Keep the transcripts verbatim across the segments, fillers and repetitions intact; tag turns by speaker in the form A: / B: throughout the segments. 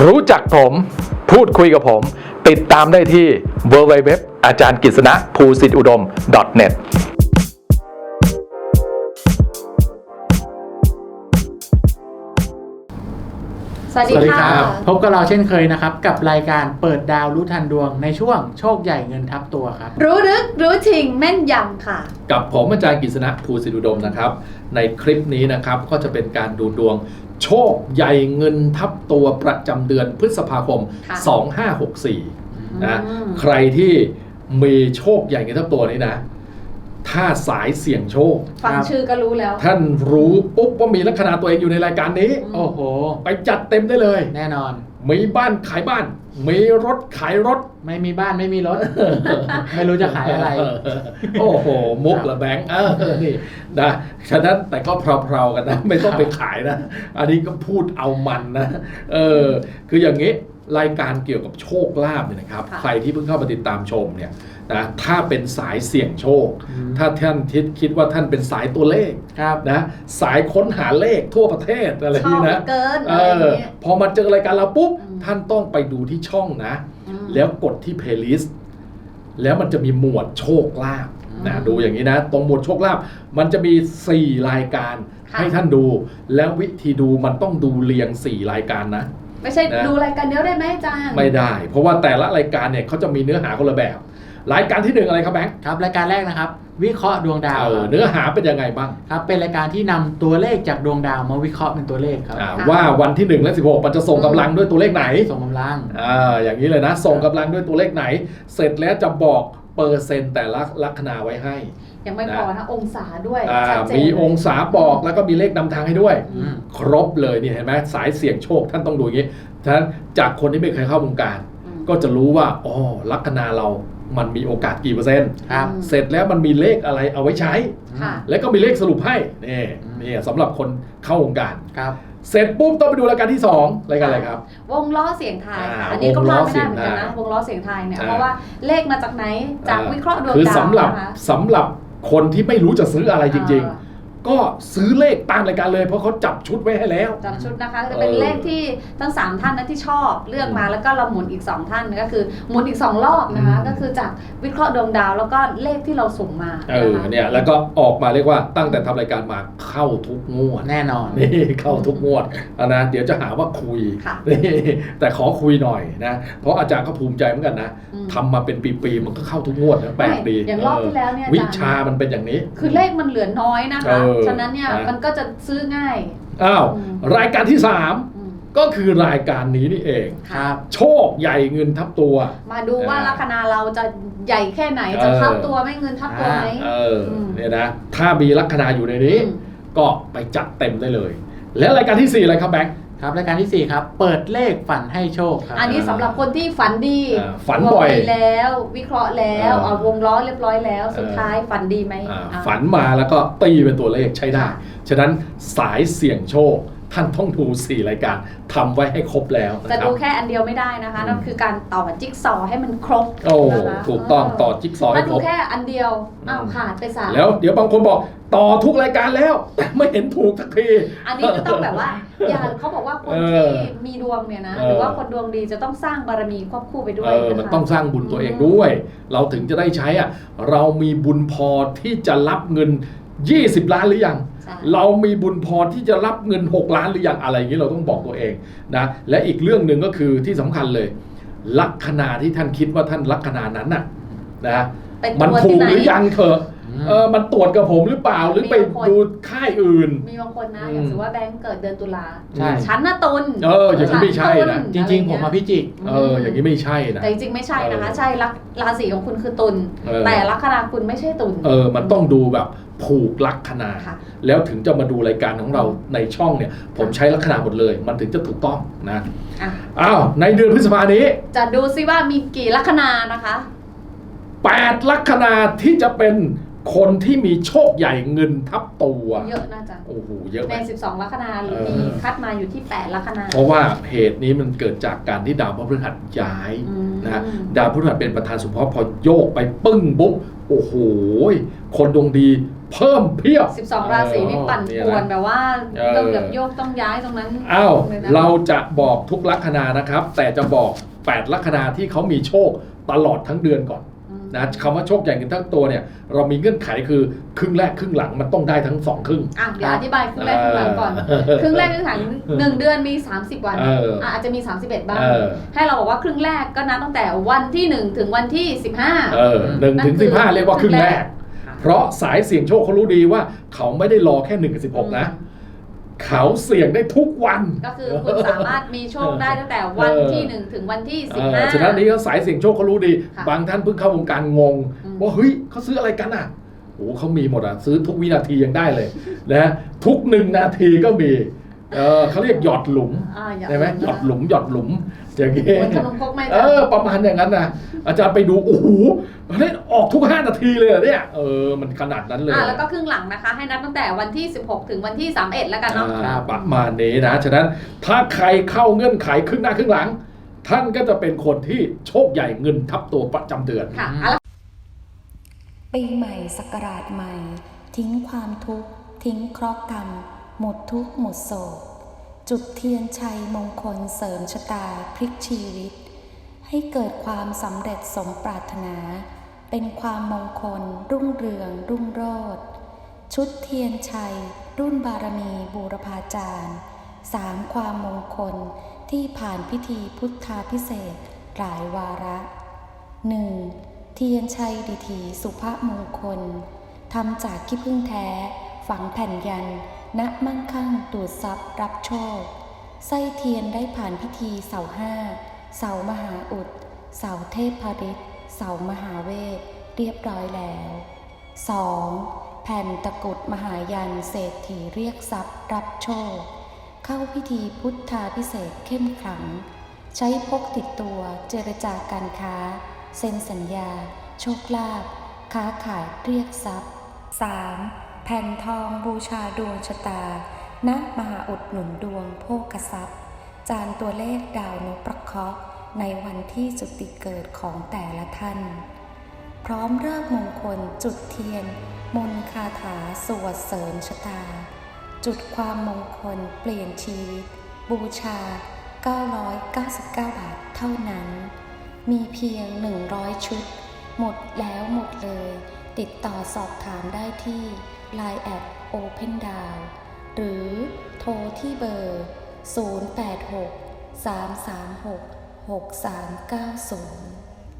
A: รู้จักผมพูดคุยกับผมติดตามได้ที่ ดับเบิลยู ดับเบิลยู ดับเบิลยู ดอท อาจารย์กฤษณะ ภูสิทธิอุดม ดอท เน็ต
B: สวัสดีค่ะ
C: พบกับเราเช่นเคยนะครับกับรายการเปิดดาวรู้ทันดวงในช่วงโชคใหญ่เงินทับตัวครับ
B: รู้ลึกรู้จริงแม่นยำค่ะ
A: กับผมอาจารย์กฤษณะ ภูสิทธิอุดมนะครับในคลิปนี้นะครับก็จะเป็นการดูดวงโชคใหญ่เงินทับตัวประจำเดือนพฤษภาคมสองห้าหกสี่นะใครที่มีโชคใหญ่เงินทับตัวนี้นะถ้าสายเสี่ยงโชค
B: ฟังชื่อก็รู้แล้ว
A: ท่านรู้ปุ๊บว่ามีลัคนาตัวเองอยู่ในรายการนี้
C: โอ้โห
A: ไปจัดเต็มได้เลย
C: แน่นอน
A: มีบ้านขายบ้านมีรถขายรถ
C: ไม่มีบ้านไม่มีรถ ไม่รู้จะขายอะไร
A: โอ้โหมุกละแบงค์เออนี่นะฉะนั้นแต่ก็เพลาๆกันนะไม่ต้องไปขายนะอันนี้ก็พูดเอามันนะเออคืออย่างนี้รายการเกี่ยวกับโชคลาภเนี่ยนะครับใครที่เพิ่งเข้ามาติดตามชมเนี่ยนะถ้าเป็นสายเสี่ยงโชคถ้าท่านคิดคิดว่าท่านเป็นสายตัวเลขนะสายค้นหาเลขทั่วประเทศอะไรนี่นะเออพอมาเจอรายการเราปุ๊บท่านต้องไปดูที่ช่องนะแล้วกดที่เพลย์ลิสต์แล้วมันจะมีหมวดโชคลาภนะดูอย่างนี้นะตรงหมวดโชคลาภมันจะมีสี่รายการให้ท่านดูแล้ววิธีดูมันต้องดูเรียงสี่รายการนะ
B: ไม่ใช่ดูรายการเดียวได้ไหมอาจารย์
A: ไม่ได้เพราะว่าแต่ละรายการเนี่ยเขาจะมีเนื้อหาคนละแบบรายการที่หนึ่งอะไรครับแบงค์
C: ครับรายการแรกนะครับวิเคราะห์ดวงดาว
A: เนื้อหาเป็นยังไงบ้าง
C: ครับเป็นรายการที่นำตัวเลขจากดวงดาวมาวิเคราะห์เป็นตัวเลขครับ
A: ว่าวันที่หนึ่งและสิบหกมันจะส่งกำลังด้วยตัวเลขไหน
C: ส่งกำลัง
A: อ่าอย่างนี้เลยนะส่งกำลังด้วยตัวเลขไหนเสร็จแล้วจะบอกเปอร์เซ็นต์แต่ละลัคนาไว้ให้
B: ยังไม่พอนะองศาด้วย
A: มีองศาบอกแล้วก็มีเลขนำทางให้ด้วยครบเลยนี่เห็นไหมสายเสี่ยงโชคท่านต้องดูอย่างนี้ฉะนั้นจากคนที่ไม่เคยเข้าวงการก็จะรู้ว่าอ๋อลัคนาเรามันมีโอกาสกี่เปอร์เซ็นต์เสร็จแล้วมันมีเลขอะไรเอาไว้ใช้แล้วก็มีเลขสรุปให้นี่นี่สำหรับคนเข้าวงการเสร็จปุ๊บต้องไปดูรายการที่สองรายการอะไรครับ
B: วงล้อเสียงทายค่ะอันนี้ก็พลาดไม่ได้เหมือนกันนะวงล้อเสียงทายเนี่ยเพราะว่าเลขมาจากไหนจากวิเคราะห์ดวงดาว
A: คือสำหรับสำหรับคนที่ไม่รู้จะซื้ออะไรจริงๆก็ซื้อเลขตามรายการเลยเพราะเขาจับชุดไว้ให้แล้ว
B: จับชุดนะคะจะเป็นเลขที่ทั้งสามท่านนะที่ชอบเลือกมาแล้วก็เราหมุนอีกสองท่านก็คือหมุนอีกสองรอบนะคะก็คือจากวิเคราะห์ดวงดาวแล้วก็เลขที่เราส่งมา
A: เออเนี่ยแล้วก็ออกมาเรียกว่าตั้งแต่ทำรายการมาเข้าทุกงวด
C: แน่นอน
A: นี่เข้าทุกงวดนะเดี๋ยวจะหาว่าคุยนี่แต่ขอคุยหน่อยนะเพราะอาจารย์ก็ภูมิใจเหมือนกันนะทำมาเป็นปีๆมันก็เข้าทุกงวดนะแปลกดี
B: อย่างรอบที่แล้วเนี่ย
A: วิชามันเป็นอย่างนี้
B: คือเลขมันเหลือน้อยนะคะฉะนั้นเนี่ยมันก็จะซื้อง่าย
A: อ้าวรายการที่สามก็คือรายการนี้นี่เองครับโชคใหญ่เงินทับตัว
B: มาดูว่าลัคนาเราจะใหญ่แค่ไหนจะทับตัวไม่เงินทับตัวไหม
A: เออเนี่ยนะถ้ามีลัคนาอยู่ในนี้ก็ไปจัดเต็มได้เลยแล้วรายการที่สี่อะไรครับแบงค์
C: ครับรายการที่สี่ครับเปิดเลขฝันให้โชคครับ
B: อันนี้สำหรับคนที่ฝันดี
A: ฝันบ่อย
B: แล้ววิเคราะห์แล้วเอาวงล้อเรียบร้อยแล้วสุดท้ายฝันดีไหม
A: ฝันมาแล้วก็ตีเป็นตัวเลขใช้ได้ฉะนั้นสายเสี่ยงโชคท่านต้องดูสี่รายการทำไว้ให้ครบแล้ว
B: จะดูแค่อันเดียวไม่ได้นะคะนั่นคือการต่อจิ๊กซอว์ให้มันครบ
A: โอ้ถูกต้องต่อจิ๊กซอว์ให้ครบ
B: ถ้าดูแค่อันเดียวอ้าวขาดไปสาม
A: แล้วเดี๋ยวบางคนบอกต่อทุกรายการแล้วแต่ไม่เห็นถูกสักที
B: อันนี้ก็ต้องแบบว่าอย่าเขาบอกว่าคนที่มีดวงเนี่ยนะหรือว่าคนดวงดีจะต้องสร้างบารมีควบคู่ไปด้วยนะคะ
A: มันต้องสร้างบุญตัวเองด้วยเราถึงจะได้ใช้อ่ะเรามีบุญพอที่จะรับเงินยี่สิบล้านหรือยังเรามีบุญพอที่จะรับเงินหกล้านหรือยังอะไรอย่างนี้เราต้องบอกตัวเองนะและอีกเรื่องหนึ่งก็คือที่สำคัญเลยลัคนาที่ท่านคิดว่าท่านลัคนานั้นน่ะนะมันถูกหรือยังเถอะเออมันตรวจกับผมหรือเปล่าหรือไปดูค่ายอื่น
B: มีบางคนนะอย่างสมมติว่าแบงค์เกิดเดือนตุลาฉันน่ะตุล
A: เอออย่างนี้ไม่ใช่นะ
C: จริงๆผมมาพิจิก
A: เอออย่างนี้ไม่ใช่นะ
B: แต่จริงๆไม่ใช่นะคะใช่ราศีของคุณคือตุลแต่ลัคนาคุณไม่ใช่ตุล
A: เออมันต้องดูแบบผูกลัคนาแล้วถึงจะมาดูรายการของเราในช่องเนี่ยผมใช้ลัคนาหมดเลยมันถึงจะถูกต้องนะอ้าวในเดือนพฤษภานี้
B: จะดูซิว่ามีกี่ลัคนานะคะ
A: แปดลัคนาที่จะเป็นคนที่มีโชคใหญ่เงินทับตัว
B: เยอะน่าจะ
A: โอ้โหเยอะ
B: ในสิบสองลัคนาหรือมีคัดมาอยู่ที่แปดลัคนา
A: เพราะว่าเหตุนี้มันเกิดจากการที่ดาวพฤหัสย้ายนะดาวพฤหัสเป็นประธานสุภาพพอโยกไปปึ้งบุ๊บโอ้โหคนดวงดีเพิ่มเพียบ
B: สิบสองราศีนี่ปั่นป่วนแบบว่า
A: เออ
B: ต้องแบบโยกต้องย้ายตรงนั้น
A: อ้าว
B: ลยนะ
A: เราจะบอกทุกลัคนานะครับ แต่จะบอกแปดลัคนาที่เขามีโชคตลอดทั้งเดือนก่อน
B: อืม
A: นะคำว่าโชคใหญ่เงินทั้งตัวเนี่ยเรามีเงื่อนไขคือครึ่งแรกครึ่งหลังมันต้องได้ทั้งสองครึ่ง
B: อ่ะเดี๋ยวอธิบายครึ่งแรกครึ่งหลังก่อน
A: เออ
B: ครึ่งแรกครึ่งหลังหนึ่งเดือนมีสามสิบวัน
A: เอออ่
B: ะอาจจะมีสามสิบเอ็ดบ้าง
A: เออ
B: ให้เราบอกว่าครึ่งแรกก็นับตั้งแต่วันที่หนึ่งถึงวันที่สิบห้า
A: เออหนึ่งถึงสิบห้าเรียกว่าครึ่งแรก เพราะสายเสี่ยงโชคเขารู้ดีว่าเขาไม่ได้รอแค่หนึ่งกับสิบหกนะ เขาเสี่ยงได้ทุกวัน
B: ก็คือคุณสามารถมีโชคได้ตั้งแต่วันที่หนึ่งถึงวันที่สิบ
A: เอ
B: ห้า
A: อฉะนั้นนี้เขาสายเสี่ยงโชคเขารู้ดี
B: ค่ะ
A: บางท่านเพิ่งเข้าวงการงง
B: อืม
A: ว่าเฮ้ยเขาซื้ออะไรกันอ่ะโอ้เขามีหมดอ่ะซื้อทุกวินาทียังได้เลยนะทุกหนึ่งนาทีก็มีเออเขาเรียกหยอดหลุม
B: อ่าอย่า
A: ใช่ไหมหยอดหลุมหยอดหลุมอย่างเงี้ย
B: เหมือนขนมครกไหม
A: เอ
B: จ๊ะ
A: อประมาณอย่างนั้นนะอาจารย์ไปดูโอ้โหเฮ้ยออกทุกห้านาทีเลยเหรอเนี่ยเออมันขนาดนั้นเลย
B: อ่าแล้วก็ครึ่งหลังนะคะ ให้นับตั้งแต่วันที่สิบหกถึงวันที่สามสิบเอ็ดแล้วกันเนาะ
A: อ่าประมาณนี้นะ ฉะนั้นถ้าใครเข้าเงื่อนไขครึ่งหน้าครึ่งหลัง ท่านก็จะเป็นคนที่โชคใหญ่เงินทับตัวประจำเดือน
B: ค่ะอ่ะแล้ว
D: ปีใหม่ศักราชใหม่ ทิ้งความทุกข์ ทิ้งเคราะห์กรรม หมดทุกข์หมดโศก จุดเทียนชัยมงคลเสริมชะตาพลิกชีวิต ให้เกิดความสำเร็จสมปรารถนา เป็นความมงคลรุ่งเรืองรุ่งโรจน์ชุดเทียนชัย รุ่นบารมีบูรพาจารย์สามความมงคลที่ผ่านพิธีพุทธาพิเศษกหลายวาระ หนึ่ง เทียนชัยดิถีสุภมงคลทำจากขี้ผึ้งแท้ ฝังแผ่นยันณมั่งคั่งดูดซับรับโชคไส้เทียนได้ผ่านพิธีเสาห้าเสามหาอุดเสาเทพพฤทธิ์เสามหาเวทเรียบร้อยแล้ว สอง แผ่นตะกรุดมหายันเศรษฐีเรียกทรัพย์รับโชค เข้าพิธีพุทธาพิเศษกเข้มขลัง ใช้พกติดตัวเจรจาการค้า เซ็นสัญญา โชคลาภค้าขายเรียกทรัพย์ สาม แผ่นทองบูชาดวงชะตา ณ มหาอุดหนุนดวงโภคทรัพย์ จานตัวเลขดาวนพประเคราะห์ในวันที่จุติเกิดของแต่ละท่าน พร้อมเลิกษ์มงคลจุดเทียน มนต์คาถาสวดเสริมชะตา จุดความมงคลเปลี่ยนชีวิต บูชา เก้าร้อยเก้าสิบเก้า บาทเท่านั้น มีเพียง หนึ่งร้อย ชุด หมดแล้วหมดเลย ติดต่อสอบถามได้ที่ ไลน์ แอท โอเพนดาว หรือโทรที่เบอร์ ศูนย์ แปด หก สาม สาม หก หก สาม เก้า ศูนย์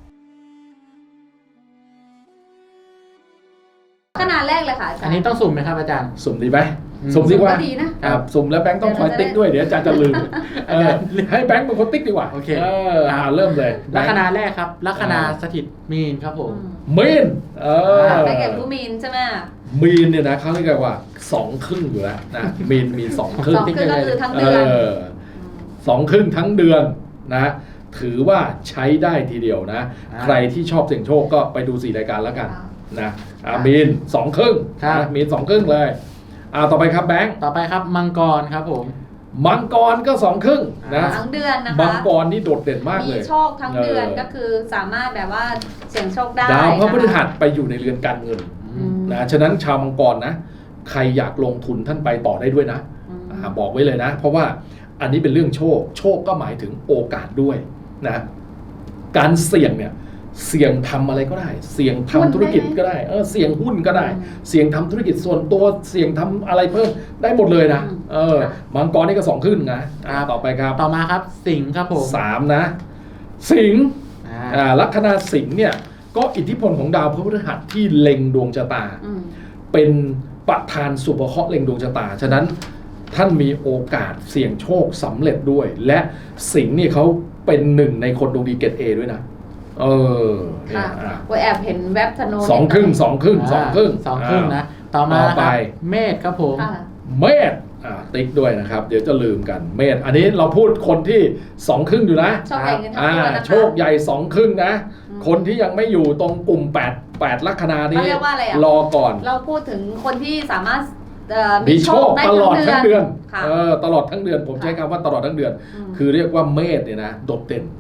B: ขนาดแรกเลยค่ะอาจารย์
C: อันนี้ต้องสุ่มไหมครับอาจารย์
A: สุ่มดีไหม
C: อืม
A: สุ่มดีกว่า
B: ก็ดีนะ
A: ครับสุ่มแล้วแบงค์ต้องคอยติ๊กด้วยเดี๋ยวอาจารย์จะลืมเออให้แบงค์เป็นคนติ๊กดีกว่า
C: โอเค
A: เอออ่าเริ่มเลย
C: ลัคนาแรกครับ ลัคนาสถิตมีนครับผม
A: มีนเออ
B: ไปเก็บผู้มีนใช่ไหม
A: มีนเนี่ยนะเขาเรียกว่าสองครึ่งอยู่แล้วนะมีนมีสองครึ่
B: ส
A: ง
B: องครึ่งก็คือทั้ง
A: เอ
B: เดือน
A: อสองครึ่งทั้งเดือนนะถือว่าใช้ได้ทีเดียวนะ
C: อ่า
A: ใครที่ชอบเสี่ยงโชคก็ไปดูสี่รายการแล้วกัน
B: อ่า
A: นะอ่ามีนสองครึ่ง
C: ครับ
A: นะมีนสองครึ่งเลยอ่าต่อไปครับแบงค์
C: ต่อไปครับมังกรครับผม
A: มังกรก็สองครึ่งนะ
B: ทั้งเดือนนะคะ
A: มังกรนี่โดดเด่นมากเล
B: มี
A: ย
B: โชคทั้งเดือน
A: เออ
B: ก็คือสามารถแบบว่าเสี่ยงโชคได้
A: ดาวพระพฤหั
B: น
A: สไปอยู่ในเรือนการเงิน
B: อืม
A: นะฉะนั้นชาวมังกรนะใครอยากลงทุนท่านไปต่อได้ด้วยนะ
B: อืม
A: อ่าบอกไว้เลยนะ เพราะว่าอันนี้เป็นเรื่องโชค โชคก็หมายถึงโอกาสด้วยนะการเสี่ยงเนี่ยเสี่ยงทำอะไรก็ได้ เสี่ยงทำธุรกิจก็ได้เออเสี่ยงหุ้นก็ได้ เสี่ยงทำธุรกิจส่วนตัวเสี่ยงทำอะไรเพิ่มได้หมดเลยนะเออมังกรนี่ก็สองขึ้นนะอ่าต่อไปครับ
C: ต่อมาครับสิงห์ครับผม
A: สามนะ สิงห์
C: อ่า
A: อ่าลัคนาสิงห์เนี่ยก็อิทธิพลของดาวพฤหัสที่เล็งดวงชะตา
B: อืม
A: เป็นประธานสุภเคราะห์เล็งดวงชะตา ฉะนั้นท่านมีโอกาสเสี่ยงโชคสำเร็จด้วย และสิงห์นี่เขาเป็นหนึ่งในคนดวงดีเกรดเอด้วยนะ เออเนี่
B: ค่ะ
A: ยอ่ะ
B: โอ้ยแอบเห็นแว็บธนู
A: สองครึ่งสองครึ่งสองครึ่ง
C: สองครึ่งนะ ต่อมา
A: ต่อ
C: นะ
A: ไป
C: ครับเมษครับผม
B: ค่ะ
A: เมษอ่าติ๊กด้วยนะครับ เดี๋ยวจะลืมกันเมษอันนี้เราพูดคนที่สองครึ่งอยู่นะ
B: โชคใหญ่เงินทั้ง
A: อ่า
B: ตัวนะคะ
A: โชคใหญ่สองครึ่งนะ
B: อืม
A: คนที่ยังไม่อยู่ตรงกลุ่มแปด แปดลัคนานี้
B: เขาเรียกว่าอะไรอ่ะ
A: รอก่อน
B: เราพูดถึงคนที่สามารถเอ่อ
A: มีโชค
B: ได้
A: ตลอดทั้งเดือน
B: ค่ะ
A: เออตลอดทั้งเดือน ผม
B: ค่ะ
A: ใช้คำว่าตลอดทั้งเดือน
B: อืม
A: คือเรียกว่าเมษเนี่ยนะโดดเด่น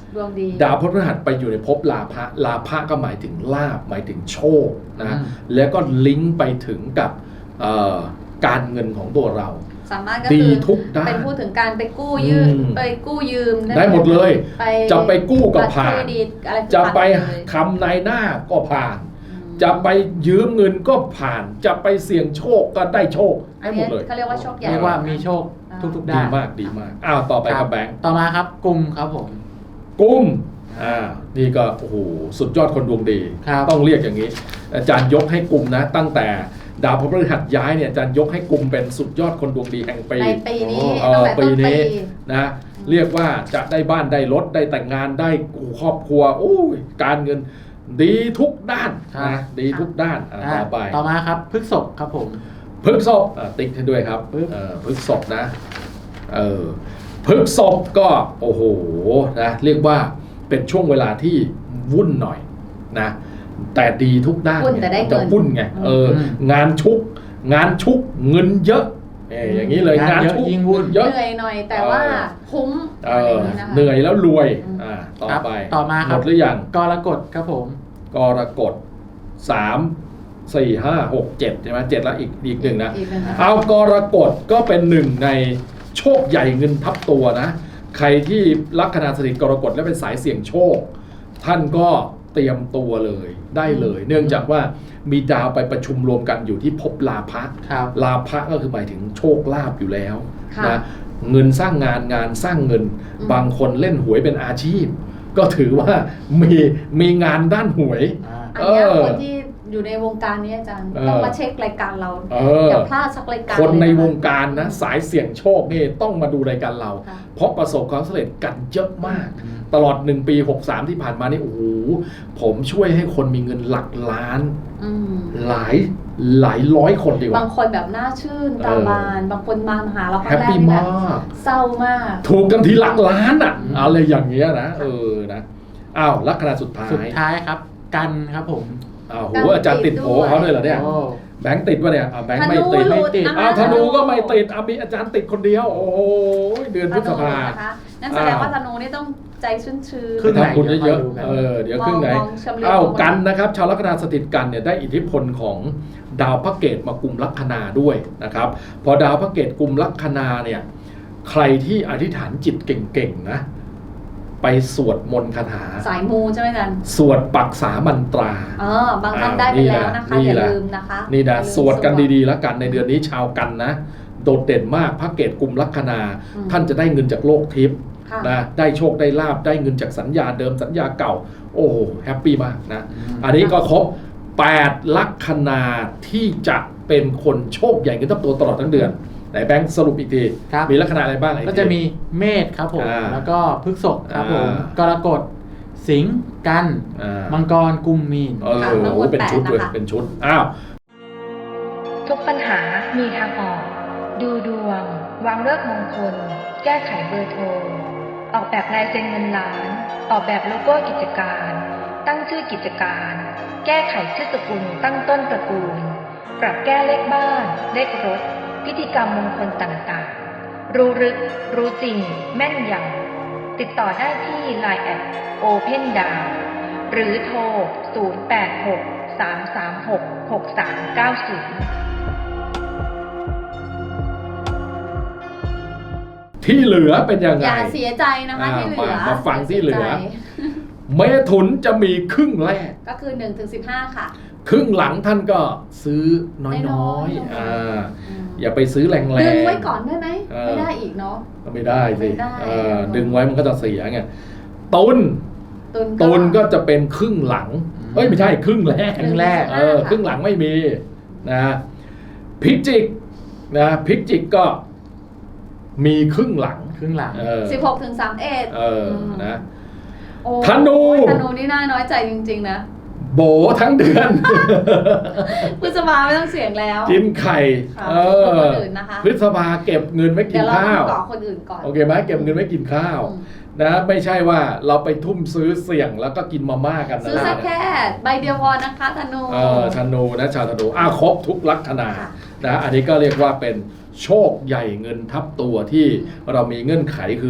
B: ดวงดี
A: ดาวพฤหัสไปอยู่ในภพลาภะลาภะก็หมายถึงลาภหมายถึงโชคนะ
C: อืม
A: แล้วก็ลิงก์ไปถึงกับเอ่อการเงินของตัวเรา
B: สามารถก็
A: ดี
B: คือ
A: ทุกด้าน
B: เป็นพูดถึงการไปกู้ยืม
A: อืม
B: ไปกู้ยืม
A: ได้หมดเลย
B: ไป
A: จะไปกู้ก็ผ่าน
B: บัตรเครดิตอะไร
A: จะไป
B: ผ่านเลย
A: คำนายหน้าก็ผ่าน
B: อืม
A: จะไปยืมเงินก็ผ่าน จะไปเสี่ยงโชคก็ได้โชค
B: อัน
A: ได้หม
B: นี้
A: ดเลย
B: เขาเรียกว่าโชคใหญ่
C: เรียกว่ามีโชคทุกๆด้า
A: ดี
C: น
A: มากดีมากอ้าวต่อไป
C: ค
A: กั
C: รั
A: บบ แบงค์
C: ต่อมาครับกลุ่มครับผม
A: กุ้มอ่านี่ก็โอ้โหสุดยอดคนดวงดี
C: ครับ
A: ต้องเรียกอย่างนี้ อาจารย์ยกให้กลุ่มนะ ตั้งแต่ดาวพฤหัสย้ายเนี่ยอาจารย์ยกให้กลุ่มเป็นสุดยอดคนดวงดีแห่งปี
B: ในปีนี้
A: เอ
B: ตั้ง
A: อ
B: แต่
A: ปี
B: ต้น
A: นี้
B: ปี
A: นะเรียกว่าจะได้บ้านได้รถได้แต่งงานได้ครอบครัวโอ้ยการเงินดีทุกด้าน
C: ครับ
A: นะดีทุกด้านอ่ะ
C: อ่า
A: ต่อไป
C: ต่อมาครับพฤษภครับผม
A: พฤษภอ่ะติ๊กให้ด้วยครับ
C: ปึ๊บ
A: เออพฤษภนะเออพฤษภก็โอ้โหนะเรียกว่าเป็นช่วงเวลาที่วุ่นหน่อยนะแต่ดีทุกด้าน
B: วุ่นแต่ได้เงิน
A: จะวุ่นไงเออ
C: อืม
A: งานชุก งานชุกเงินเยอะเอออย่างนี้เลย
C: งานเยอะ
A: ชุก
C: ยิ่งวุ่น
A: เยอะ
B: เหนื่อยหน่อยแต่ว่าคุ้ม
A: เอ
B: อะไรอ
A: อย่าง
B: นี้นะคะ
A: เหนื่อยแล้วรวย
B: อืม
A: อ่าต่อ
C: ครับ
A: ไป
C: ต่อมา
A: ห
C: ค
A: ม
C: รับ
A: ดหรือยัง
C: กรกฎครับผม
A: กรกฎสามสี่ห้าหกเจ็ดใช่ไหมเจ็ดแล้วอีกอีกหนึ่งนะ
B: อีกหนึ่งนะคะ
A: เอากรกฎก็เป็นหนึ่งในโชคใหญ่เงินทับตัวนะ ใครที่ลัคนาสถิตกรกฎและเป็นสายเสี่ยงโชค ท่านก็เตรียมตัวเลยได้เลย เนื่องจากว่ามีดาวไปประชุมรวมกันอยู่ที่ภพลาภะ
C: ครับ
A: ลาภะก็คือหมายถึงโชคลาภอยู่แล้ว
B: ค่ะ
A: นะเงินสร้างงานงานสร้างเงิน
B: อืม
A: บางคนเล่นหวยเป็นอาชีพ ก็ถือว่ามีมีงานด้านหวย
C: อ่า
B: อันเนี้ย
A: เออ
B: คนที่อยู่ในวงการนี้อาจารย์
A: เออ
B: ต้องมาเช็ครายการเรา
A: เอ
B: อ
A: อ
B: ย่าพลาดสักรายการ
A: คนใน
B: เลยะะ
A: วงการนะสายเสี่ยงโชคนี่ต้องมาดูรายการเรา
B: ค่ะ
A: เพราะประสบความสำเร็จกันเยอะมาก
C: อืม
A: ตลอดหนึ่งปีหกสามที่ผ่านมานี่โอ้โหผมช่วยให้คนมีเงินหลักล้าน
B: อืม
A: หลายหลายร้อยคนดีก
B: บา
A: ว่า
B: งคนแบบน่าชื่นตา
A: เออ
B: บาน บางคนมาหาเราค
A: แฮ
B: รั้ง
A: ป
B: แรก
A: ปี้
B: นี่แบ
A: มา
B: บ
A: ก
B: เศร้ามาก
A: ถูกกันทีหลักล้านอ่ะ
C: อืม
A: อะไรอย่างเงี้ยนะเออนะอ้าวลัคนาสุดท้าย
C: สุดท้ายครับ กันครับผม
A: อ้าวโหอาจารย์ติดโผเขาด้วยเหรอเนี่ย
C: โอ้
A: แบงค์ติดวะเนี่ยอ่ะแบง
B: ธ
A: ค์ไม่
B: นู
A: ติด
B: หลุด
C: ไม่ติด
B: นะคะ
A: อ้าวธนูก็ไม่ติดอ่ะมีอาจารย์ติดคนเดียว โอ้โหเดือนพฤษภา
B: นะคะนั่นแสดงว่าธนูนี่ต้องใจชื้นชื้น
C: ครึ่งไหน
A: ทำบุญเยอะ
C: เดี๋ยวคอยดูกัน
A: ๆเออเดี๋ยวครึ่งไหน
B: มองชำเลือง
A: อ้าว
B: มอง
A: กันนะครับชาวลัคนาสถิตกันเนี่ยได้อิทธิพลของดาวพระเกตมากุมลัคนาด้วยนะครับพอดาวพระเกตกุมลัคนาเนี่ยใครที่อธิษฐานจิตเก่งๆนะไปสวดมนต์คาถา
B: สายมูใช่ไหมอาจารย์
A: สวดปักษามันตรา
B: เออบางท่านได้ไปแล้วนะคะ
A: นี่
B: อย่า
A: แหละ
B: ลืมนะคะ
A: นี่นะ
B: อย่าลืม
A: สวดกันดีๆแล้วกันในเดือนนี้ชาวกันนะโดดเด่นมากพระเกตกุมลัคนา
B: อืม
A: ท่านจะได้เงินจากโลกทิพย์
B: ค่ะ
A: นะได้โชคได้ลาบได้เงินจากสัญญาเดิมสัญญาเก่า โอ้โหแฮปปี้มากนะ
C: อืม
A: อันนี้ก็ครบแปดลัคนาที่จะเป็นคนโชคใหญ่เงินทับตัวตลอดทั้งเดือนไหนแบงค์สรุปอีกที
C: ครับ
A: มีลัคนาอะไรบ้างอี
C: ก็
A: ที
C: จะมีเมษครับผม
A: อ่า
C: แล้วก็พฤษภครับผม
A: อ่าก
C: รกฎสิงห์กัน
A: อ่า
C: มังกรกุมมีน
A: เออ
B: ค่ะทั้งหมด
A: เป็นชุด
B: แปด
A: เลย
B: นะคะ
A: เป็นชุดอ้าว
E: ทุกปัญหามีทางออก ดูดวง วางเลิกษ์มงคล แก้ไขเบอร์โทร ออกแบบลายเซ็นเงินล้าน ออกแบบโลโก้กิจการ ตั้งชื่อกิจการ แก้ไขชื่อสกุลตั้งต้นตระกูล ปรับแก้เลขบ้าน เลขรถ พิธีกรรมมงคลต่างๆ รู้ลึก รู้จริง แม่นยำติดต่อได้ที่ ไลน์ แอท โอเพนดาว หรือโทร ศูนย์ แปด หก สาม สาม หก หก สาม เก้า ศูนย์
A: ที่เหลือเป็นยังไง
B: อย่าเสียใจนะคะ
A: อ่า
B: ที่เหลือ
A: มามาฟังที่เหลือ
B: ย่าสียใจ
A: เมถุนจะมีครึ่งแรก
B: ก็คือหนึ่งถึงสิบห้าค่ะ
A: ครึ่งหลังท่านก็ซื้อน้
B: น้
A: อ
B: อย
A: ย
B: ๆ
A: ๆอ่า
B: อืม
A: อย่าไปซื้อแรงๆ
B: ดึงไว้ก่อนได้ไหม
A: เออ
B: ไม่ได้อีกเนาะ
A: ก็ไม่ได้สิ
B: ไม่ได้
A: เออดึงไว้มันก็จะเสียไงตุน
B: ตุน
A: ตุนก็จะเป็นครึ่งหลังเอ้ยไม่ใช่ครึ่งแรก
C: ครึ่งแรก
A: เออครึ่งหลังไม่มีนะพิจิกนะพิจิกก็มีครึ่งหลัง
C: ครึ่งหลัง
A: เออ
B: สิบหกถึงสามเอ็ด
A: เออนะ
B: โอ้
A: ธนู
B: ธนูนี่น่าน้อยใจจริงๆนะ
A: โบทั้งเดือน
B: พฤษภาไม่ต้องเสียงแล้ว
A: กินไข่
B: ค่ะ
A: เอ
B: ขอบ
A: อ
B: คนอื่นนะคะ
A: พฤษภาเก็บเงินไม่กิ
B: เดี๋ย
A: น
B: วเรา
A: ข้าว
B: ต้องก่อคนอื่นก่อน
A: โอเคไหมเก็บเงินไม่กินข้าว
B: อืม
A: นะไม่ใช่ว่าเราไปทุ่มซื้อเสี่ยงแล้วก็กินมาม่ากันนะ
B: ซื้อสักแค่ใบเดียวพอนะคะธนู
A: เออธนูนะชาวธนูอ้าวครบทุกลัคนา
B: ค่ะ
A: นะอันนี้ก็เรียกว่าเป็นโชคใหญ่เงินทับตัวที่เรามีเงื่อนไขคือ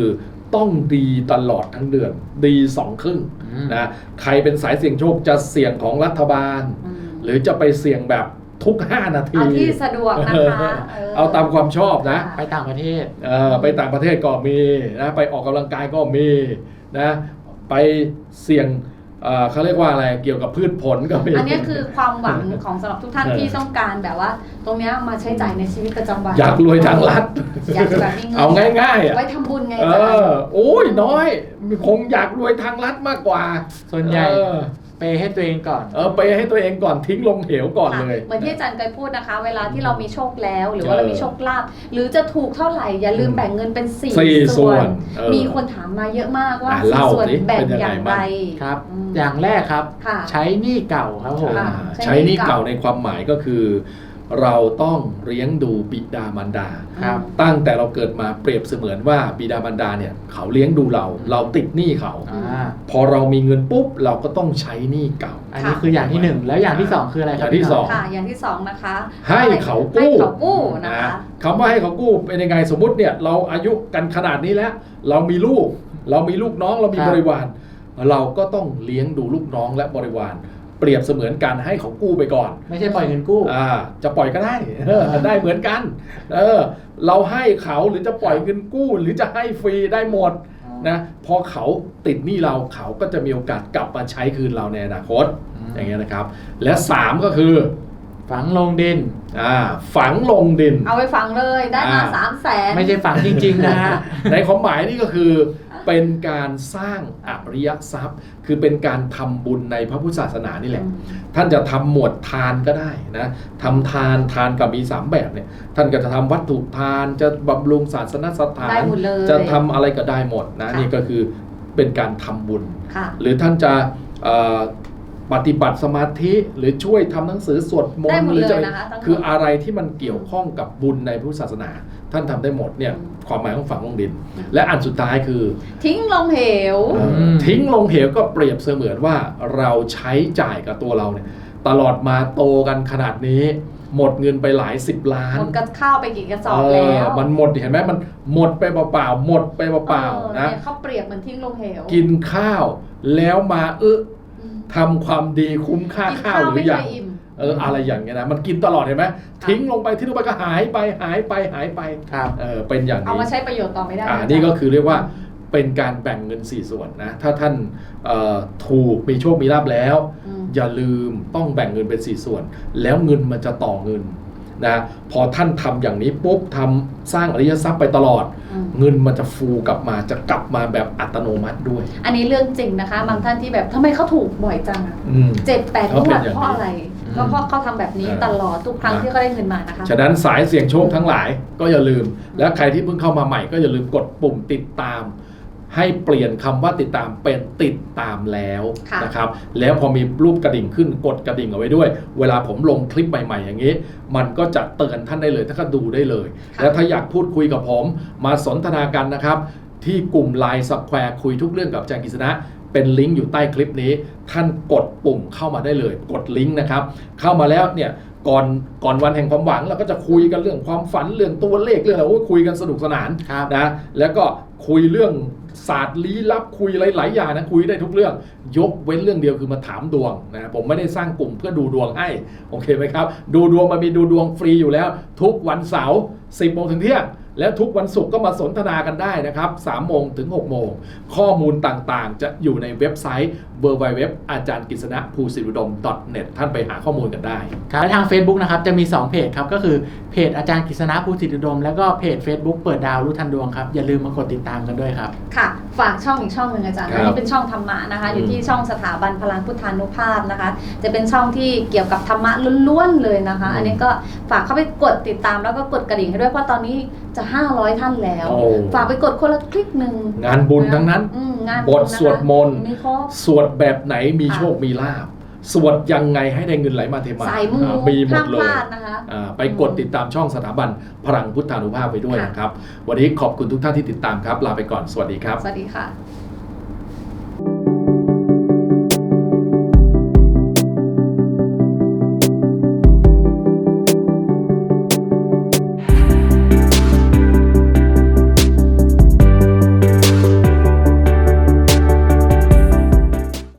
A: ต้องดีตลอดทั้งเดือนดีสองครึ่ง
C: อืม
A: นะใครเป็นสายเสี่ยงโชคจะเสี่ยงของรัฐบาล
B: อืม
A: หรือจะไปเสี่ยงแบบทุกห้านาที
B: เอาที่สะดวกนะคะเออ
A: เอาตามความชอบนะ
C: ไปต่างประเทศ
A: เออไปต่างประเทศก็มีนะไปออกกำลังกายก็มีนะไปเสี่ยงเอ่อเขาเรียกว่าอะไรเกี่ยวกับพืชผลก็มี
B: อันนี้คือความหวังของสำหรับทุกท่าน
A: เออ
B: ที่ต้องการแบบว่า ตรงเนี้ยมาใช้จ่ายในชีวิตประจำวัน
A: อยากรวยทางลัด
B: อยากจะแบบมีเงิน
A: เอาง่ายๆอ่ะ
B: ไว้ทำบุญไง
A: เอ
B: อาจาร
A: อ
B: ย์
A: โอ้ยน้อยคงอยากรวยทางลัดมากกว่า
C: ส่วนใหญ่
A: เออ
C: เปย์ให้ตัวเองก่อน
A: เออไปให้ตัวเองก่อนทิ้งลงเหวก่อน
B: ค่ะ
A: เลย
B: เหมือนที่อาจารย์เคยพูดนะคะ เวลาที่เรามีโชคแล้ว หรือว่า
A: เออ
B: เรามีโชคลาภหรือจะถูกเท่าไหร่อย่าลืมแบ่งเงินเป็นสี่
A: สี่ส่
B: ส่
A: ว
B: วน น
A: เออ
B: มีคนถามมาเยอะมากว่า
A: อ่ะ
B: สี่
A: เล่า
B: ส่วน
A: สิ
B: แบ่ง
A: เป็นยัง
B: อ
A: ไง
B: ย่างไร
C: ครับ
B: อืม
C: อย่างแรกครับ
B: ค่ะ
C: ใช้หนี้เก่าครับผม
A: อ่า
B: ค่ะ
A: ใช้หนี้เก่าในความหมายก็คือ เราต้องเลี้ยงดูบิดามารดา
C: ครับ
A: ตั้งแต่เราเกิดมาเปรียบเสมือนว่าบิดามารดาเนี่ยเขาเลี้ยงดูเรา เราติดหนี้เขา
C: อ่า
A: พอเรามีเงินปุ๊บเราก็ต้องใช้หนี้เก่า
C: อันนี้คืออย่างที่หนึ่งแล้วอย่างที่สองคืออะไรครับ
A: อย่างที่สอง
B: ค่ะ อย่างที่สองนะคะ
A: ให้เขากู้
B: ให้เขากู้นะคะ
A: คำว่าให้เขากู้เป็นยังไงสมมุติเนี่ยเราอายุกันขนาดนี้แล้ว เรามีลูก เรามีลูกน้องเรามีบริวาร เราก็ต้องเลี้ยงดูลูกน้องและบริวาร เปรียบเสมือนการให้เขากู้ไปก่อน
C: ไม่ใช่ปล่อยเงินกู้
A: อ่าจะปล่อยก็ได้เออได้เหมือนกันเออเราให้เขาหรือจะปล่อยเงินกู้ หรือจะให้ฟรีได้หมดนะพอเขาติดหนี้เราเขาก็จะมีโอกาสกลับมาใช้คืนเราในอนาคต
C: อืม
A: อย่างเงี้ยนะครับ และสามก็คือ
C: ฝังลงดิน
A: อ่าฝังลงดิน
B: เอาไปฝังเลยได้มา
A: อ่า
B: สามแสน
C: ไม่ใช่ฝังจริง ๆ นะฮะ
A: ในความหมายนี่ก็คือเป็นการสร้างอริยทรัพย์ คือเป็นการทำบุญในพระพุทธศาสนานี่แหละ ท่านจะทำหมวดทานก็ได้นะทำทานทานกับมีสามแบบเนี่ยท่านก็จะทำวัตถุทานจะบำรุงศาสนสถา
B: ได้
A: น
B: หมดเลย
A: จะทำอะไรก็ได้หมดนะ
B: ค่ะ
A: นี่ก็คือเป็นการทำบุญ
B: ค่ะ
A: หรือท่านจะเอ่อปฏิบัติสมาธิหรือช่วยทำหนังสือสวดม
B: ได้
A: น
B: หม
A: ต์
B: ด
A: หรือ
B: เลย
A: จะ
B: นะคะทั้งหมด
A: คืออะไรที่มันเกี่ยวข้องกับบุญในพุทธศาสนา ท่านทำได้หมดเนี่ย
B: อืม
A: ความหมายของฝังลงดิน และอันสุดท้ายคือ
B: ทิ้งลงเหว
A: เอ่อ
C: ม
A: ทิ้งลงเหวก็เปรียบเสมือนว่าเราใช้จ่ายกับตัวเราเนี่ยตลอดมาโตกันขนาดนี้ หมดเงินไปหลายสิบล้าน
B: หมดกระข้าวไปกี่กระสอบ
A: เอ
B: แล้
A: อ
B: ว
A: มันหมดเห็นไหมมันหมดไปเปล่าๆหมดไปเปล่า
B: ออ
A: ๆนะ
B: เยเขาเปรียบเหมือนทิ้งลงเหว
A: กินข้าวแล้วมาเออ
B: อืม
A: ทำความดีคุ้มค่า
B: กิน
A: ข้าวหรือ
B: ไม่
A: ยั
B: เค
A: ง
B: ยอิ่ม
A: เอออะไรอย่างเงี้ยนะมันกินตลอดเห็นไหมทิ้งลงไปทิ้งลงไปก็หายไปหายไปหายไป
C: ครับ
A: เออเป็นอย่าง
B: เอา
A: นี้
B: มาใช้ประโยชน์ต่อไม่ได้
A: อ่า
B: ะ
A: นี่ก็คือเรียกว่าเป็นการแบ่งเงินสี่ส่วนนะถ้าท่านเอ่อถูกมีโชคมีลาภแล้ว
B: อืม
A: อย่าลืมต้องแบ่งเงินเป็นสี่ส่วน แล้วเงินมันจะต่อเงินนะพอท่านทำอย่างนี้ปุ๊บทำสร้างอริยทรัพย์ไปตลอด
B: อืม
A: เงินมันจะฟูกลับมาจะกลับมาแบบอัตโนมัติด้วย
B: อันนี้เรื่องจริงนะคะ บางท่านที่แบบทำไมเขาถูกบ่อยจังอะ
A: อืม
B: เจ็ดแปดง
A: เขา
B: ว
A: เป็น
B: ด
A: อย่างนี้
B: เพราะอะไร
C: อืม
B: ก็เพราะเขาทำแบบนี้
A: เออ
B: ตลอดทุกครั้ง
A: นะ
B: ที่เขาได้เงินมานะคะ
A: ฉะนั้นสายเสี่ยงโชคทั้งหลายก็อย่าลืม และใครที่เพิ่งเข้ามาใหม่ก็อย่าลืมกดปุ่มติดตาม ให้เปลี่ยนคำว่าติดตามเป็นติดตามแล้ว
B: ค่ะ
A: นะครับแล้วพอมีรูปกระดิ่งขึ้นกดกระดิ่งเอาไว้ด้วย เวลาผมลงคลิปใหม่ๆอย่างนี้ มันก็จะเตือนท่านได้เลยท่านก็ดูได้เลย แล้วถ้าอยากพูดคุยกับผมมาสนทนากันนะครับ ที่กลุ่ม ไลน์ Square คุยทุกเรื่องกับอาจารย์กฤษณะเป็นลิงก์อยู่ใต้คลิปนี้ ท่านกดปุ่มเข้ามาได้เลย กดลิงก์นะครับเข้ามาแล้วเนี่ยก่อนก่อนวันแห่งความหวังเราก็จะคุยกันเรื่องความฝันเรื่องตัวเลขเรื่องอะไรโอ้ยคุยกันสนุกสนาน
C: ครับ
A: นะแล้วก็คุยเรื่องศาสตร์ลี้ลับคุยหลายๆอย่างนะคุยได้ทุกเรื่อง ยกเว้นเรื่องเดียวคือมาถามดวงนะผมไม่ได้สร้างกลุ่มเพื่อดูดวงให้โอเคไหมครับดูดวงมันมีดูดวงฟรีอยู่แล้ว ทุกวันเสาร์สิบโมงถึงเที่ยงแล้วทุกวันศุกร์ก็มาสนทนากันได้นะครับสามโมงถึงหกโมงข้อมูลต่างๆ จะอยู่ในเว็บไซต์ ดับเบิลยู ดับเบิลยู ดับเบิลยู ดอท อาจารย์กฤษณะภูสิริอุดม .net ท่านไปหาข้อมูลกันได้
C: ครับและทาง Facebook นะครับจะมีสองเพจครับก็คือเพจอาจารย์กฤษณะภูสิทธิอุดมแล้วก็เพจ Facebook เปิดดาวรู้ทันดวงครับอย่าลืมมากดติดตามกันด้วยครับ
B: ค่ะ ฝากช่องอีกช่องหนึ่งอาจารย์
A: ครับ
B: อันนี้เป็นช่องธรรมะนะคะ อยู่ที่ช่องสถาบันพลังพุทธานุภาพนะคะ จะเป็นช่องที่เกี่ยวกับธรรมะล้วนๆเลยนะคะ อันนี้ก็ฝากเข้าไปกดติดตามแล้วก็กดกระดิ่งให้ด้วยเพราะตอนนี้จะห้าร้อยท่านแล้ว
A: โอ้
B: ฝากไปกดคนละคลิกหนึ่ง
A: งานบุญทั้งนั้น
B: อืมงาน
A: บทสวดมนต์
B: มีครบ
A: สวดแบบไหนมี
B: ค่ะ
A: โชคมีลาภสวดยังไงให้ได้เงินไหลมาเทมา
B: สายมู
A: อ่ามีหม
B: ห้า
A: ด
B: ม
A: เล
B: พ
A: ย
B: ลาดนะคะ
A: อ่าไปกดติดตามช่องสถาบันพลังพุทธานุภาพไปด้วย
B: ค่ะ
A: นะครับ วันนี้ขอบคุณทุกท่านที่ติดตามครับ ลาไปก่อนสวัสดีครับ
B: สวัสดีค่ะ